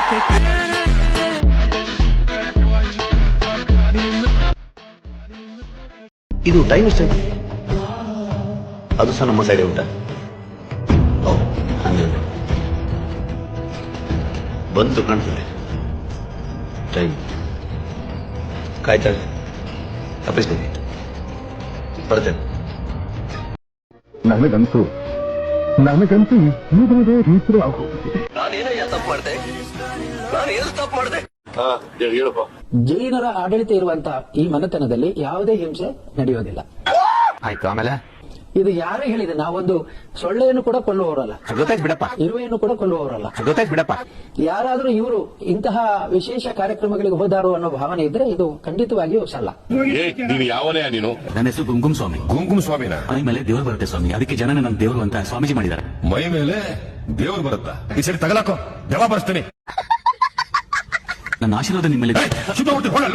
ಇದು ಟೈಮ್ ಎಷ್ಟಾಯ್ತು? ಅದು ಸಹ ನಮ್ಮ ಸೈಡೇ ಉಂಟಾ? ಹನ್ನೆರಡು ಬಂತು ಕಾಣ್ತದೆ ಟೈಮ್. ಕಾಯ್ತಾಳೆ, ತಪ್ಪಿಸ್ಬೇಡಿ, ಬರ್ತೇನೆ. ನನಗಂತೂ ಈಗಲೇ ರೀತಿ ಆಗೋಗಿದೆ. ನಾನೇನಯ್ಯ ತಪ್ಪು ಮಾಡಿದೆ? ನಾನು ಏನು ತಪ್ಪು ಮಾಡಿದೆ? ಹೇಳಪ್ಪ. ಜೈನರ ಆಡಳಿತ ಇರುವಂತಹ ಈ ಮನೆತನದಲ್ಲಿ ಯಾವುದೇ ಹಿಂಸೆ ನಡೆಯೋದಿಲ್ಲ. ಆಯ್ತು, ಆಮೇಲೆ ಇದು ಯಾರೇ ಹೇಳಿದೆ, ನಾವೊಂದು ಸೊಳ್ಳೆಯನ್ನು ಕೂಡ ಕೊಲ್ಲುವವರಲ್ಲ, ಗೊತ್ತಾಯ್ತು ಬಿಡಪ್ಪ, ಇರುವೆಯನ್ನು ಕೂಡ ಕೊಲ್ಲುವವರಲ್ಲ. ಗೊತ್ತಾಯ್ತು ಬಿಡಪ್ಪ. ಯಾರಾದ್ರೂ ಇವರು ಇಂತಹ ವಿಶೇಷ ಕಾರ್ಯಕ್ರಮಗಳಿಗೆ ಹೋದಾರು ಅನ್ನೋ ಭಾವನೆ ಇದ್ರೆ ಇದು ಖಂಡಿತವಾಗಿಯೂ ಸಲ್ಲ. ನೀನು ಯಾವನೇ ನೀನು? ನನ್ನ ಹೆಸರು ಗುಂಗುಮ್ ಸ್ವಾಮಿ. ಗುಂಗುಮ್ ಸ್ವಾಮಿನ? ಮೈ ಮೇಲೆ ದೇವರು ಬರುತ್ತೆ ಸ್ವಾಮಿ, ಅದಕ್ಕೆ ಜನ ನನ್ನ ದೇವರು ಅಂತ ಸ್ವಾಮೀಜಿ ಮಾಡಿದ್ದಾರೆ. ಮೈ ಮೇಲೆ ದೇವ್ರು ಬರುತ್ತಾ? ಈ ಸರಿ ತಗಲಾಕೋ, ಜವಾಬ್ ಬರ್ತೀನಿ. ನನ್ನ ಆಶೀರ್ವಾದ ನಿಮ್ಮಲ್ಲಿ